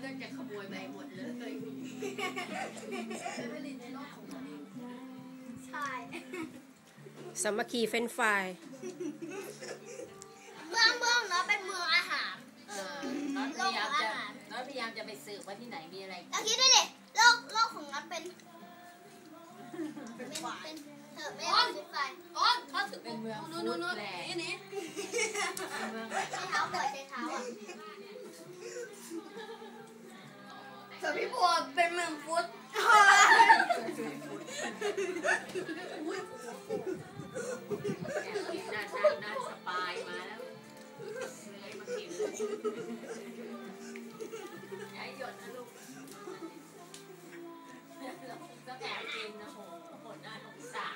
ก็จะขโมยไปหมดเลยใช่สามัคคีเฟ้นไฟเมืองเนาะเป็นเมืองอาหารน้อยพยายามจะไปสืบว่าที่ไหนมีอะไรเราคิดด้วยดิโลกของน็อตเป็นเธอไม่ได้เป็นไฟเขาถือเป็นเมืองฟูดแลนด์นี่ใช้เท้าเปิดใช้เท้าอ่ะแต่พี่บัวเป็นเมืองฟุตน่าสปายมาแล้วเลยมากินย้ายหยดนะลูกก็แอบกินนะโหดหน้าสงสาร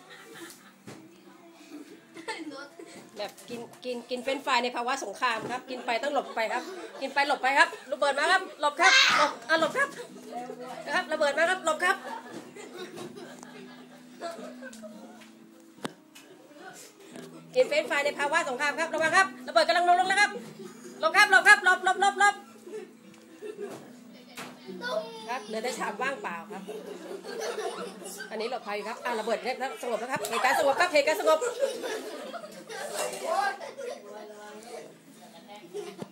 แบบกินเฟ้นไฟในภาวะสงครามครับกินไปต้องหลบไปครับกินไปหลบไปครับระเบิดมาครับหลบครับหลบครับนะครับระเบิดมาครับหลบครับกินเฟ้นไฟในภาวะสงครามครับระวังครับระเบิดกำลังลงแล้วครับหลบครับหลบครับหลบครับเหลือแต่ชามว่างเปล่าครับอันนี้หลบภัยครับระเบิดเนี่ยสงบแล้วครับเหตุการณ์สงบครับเหตุการณ์สงบ